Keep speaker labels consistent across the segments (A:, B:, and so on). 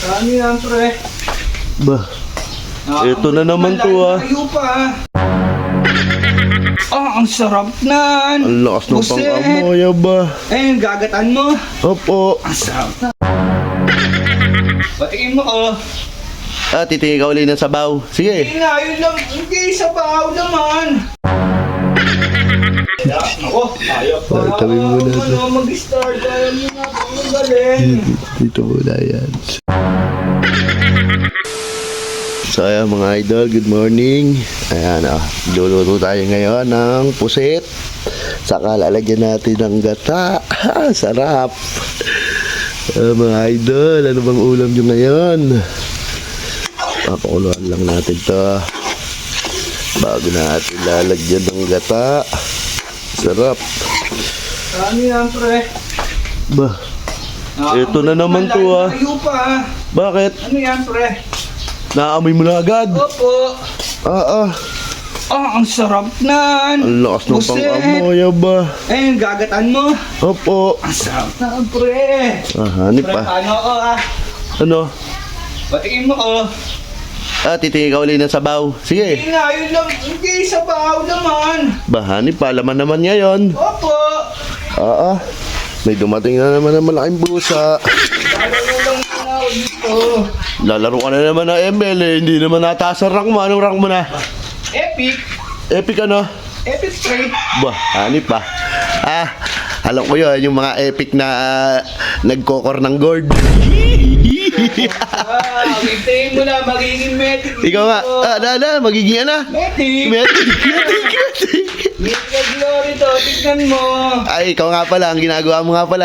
A: Ano yan, pre?
B: Bah, ito na naman to ah.
A: Tayo pa. Ang sarap nan.
B: Ang lakas ng
A: Buset.
B: pang-amoy ba?
A: Ayun, gagatan mo.
B: Opo.
A: Ang sarap na. Batiin mo ko.
B: Titingin ka uli ng sabaw. Sige.
A: Hindi na, yun lang. Hindi, sa bahaw naman. Ako, ayaw pa.
B: Tabi mo na ito.
A: Mag-start. Ayaw mo na. Ang galing.
B: Dito muna yan. So ayan mga idol, good morning. Ayan luluto tayo ngayon ng pusit. Saka lalagyan natin ng gata. Sarap. Mga idol, ano bang ulam nyo ngayon? Papakuluan lang natin to bago natin lalagyan ng gata. Sarap.
A: Ano yan, pre?
B: Bah, ito na naman to ah.
A: Tayo pa.
B: Bakit?
A: Ano yan, pre?
B: Naamoy mo na agad?
A: Opo. Ang sarap nan.
B: Ang lakas ng
A: Buset.
B: pang-amoy ba?
A: Ayun, gagatan mo.
B: Opo.
A: Ang sarap na, pre.
B: Hanip
A: Pre,
B: pa.
A: paano ko
B: Ano?
A: Batiin mo ko.
B: Titingin ka uli ng sabaw. Sige.
A: Hindi na, yun lang. Hindi, sa bahaw naman.
B: Hanip pa. Laman naman ngayon.
A: Opo.
B: May dumating na naman ng malaking busa.
A: Lalaro lang na ako dito.
B: Lalaro ka na naman ng ML eh. Hindi naman nataas ang rank mo. Anong rank mo na?
A: Epic.
B: Epic ano?
A: Epic straight.
B: Hanip pa. Alam ko yun. Yung mga epic na nagkokor ng gold.
A: Hintayin mo na, magiging medic.
B: Ikaw nga. Magiging ano?
A: Medic.
B: Metic.
A: Medic glory to, tignan mo.
B: Ay, ikaw nga pala. Ang ginagawa mo nga pala.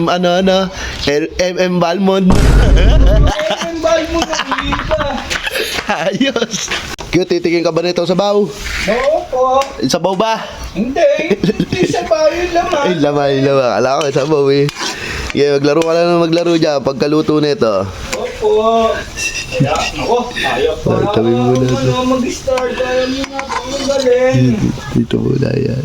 B: MM Balmond.
A: Ang bal mo na, iba.
B: Ayos. Cute, titigin ka ba nito sa baw?
A: Oo po.
B: Sabaw ba?
A: Hindi. Hindi sa bahaw yung laman.
B: Ay, laman. Akala ko sabaw eh. Maglaro ka lang na maglaro dyan pagkaluto nito.
A: Opo. Ako, ayaw pa.
B: Tabi mo na ito.
A: Mag-start. Ayaw mo na. Ang galing.
B: Dito muna yan.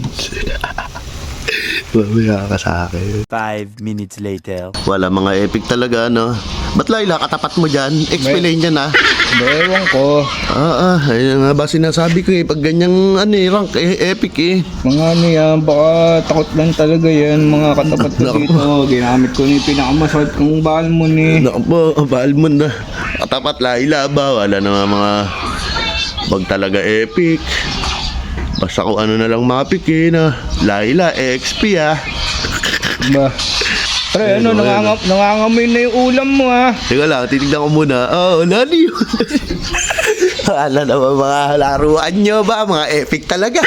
B: Mamaya ka sa akin.
C: 5 minutes later.
B: Wala, mga epic talaga, no? Ba't Laila, katapat mo dyan? Explain yan, ha?
A: Ewan ko.
B: Ayun nga ba sinasabi ko eh. Pag ganyang rank, epic eh.
A: Mga ano yan, baka takot lang talaga yan. Mga katapat ko dito. Ginamit ko na yung pinakamasakit kong Balmond eh.
B: Naku po, Balmond na. Katapat Laila ba? Wala na mga pag talaga epic. Basta kung ano na lang mapikin na. Laila, XP
A: Ba? Pre, ano, nangangamoy na yung ulam mo ha.
B: Teka lang, titignan ko muna. Wala niyo. Wala naman mga laruan nyo ba? Mga epic talaga.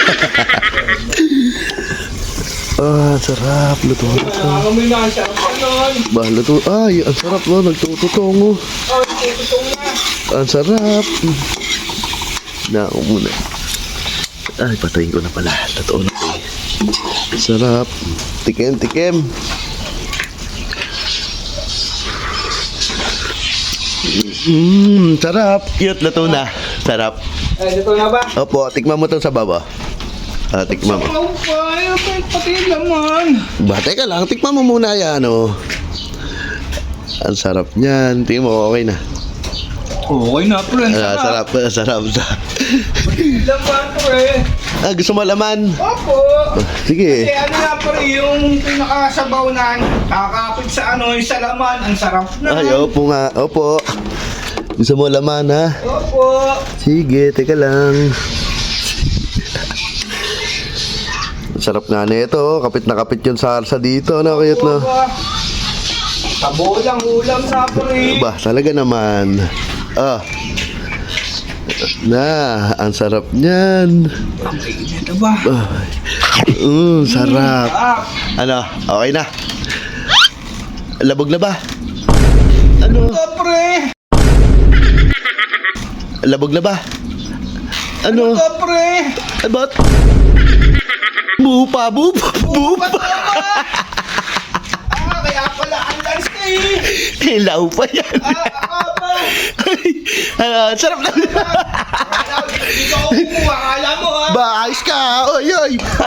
B: Sarap. Luto.
A: Nangangamoy na, ang sarap nun.
B: Luto. Ay, ang sarap no. Nagtututongo.
A: Tututong na.
B: Ang sarap. Ako muna. Ay, patayin ko na pala. Totoo na eh. Sarap. Tikim. Sarap. Cute. Luto na. Sarap.
A: Dito na ba?
B: Opo, tikman mo itong sa baba. Tikman mo.
A: Sabaw pa, ayaw pa pati laman.
B: Teka lang. Tikman mo muna yan, Ang sarap niyan. Tingnan mo, okay na.
A: Okay na, pre.
B: Sarap.
A: Laman, pre.
B: Gusto mo laman?
A: Opo.
B: Sige.
A: Kasi ano na, pre, yung pinakasabaw na kakapit sa yung sa laman. Ang sarap na.
B: Ay, opo nga. Opo. Gusto mo laman, ha?
A: Opo.
B: Sige, teka lang. Sarap nga nito. Kapit na kapit yung sarsa dito. Cute na.
A: Tabo lang ulam sa pre.
B: Talaga naman. Ang sarap niyan.
A: Ang kainit ba?
B: Sarap. Ano? Okay na? Labog na ba? Ano?
A: Pre.
B: Labog na ba? Ano?
A: Pre.
B: Ba't? Bupa.
A: Kaya pala ang lance eh.
B: Hilaw pa yan. Sarap na.
A: Dito ako kumuha, akala mo ha.
B: Ayos ka. Oy.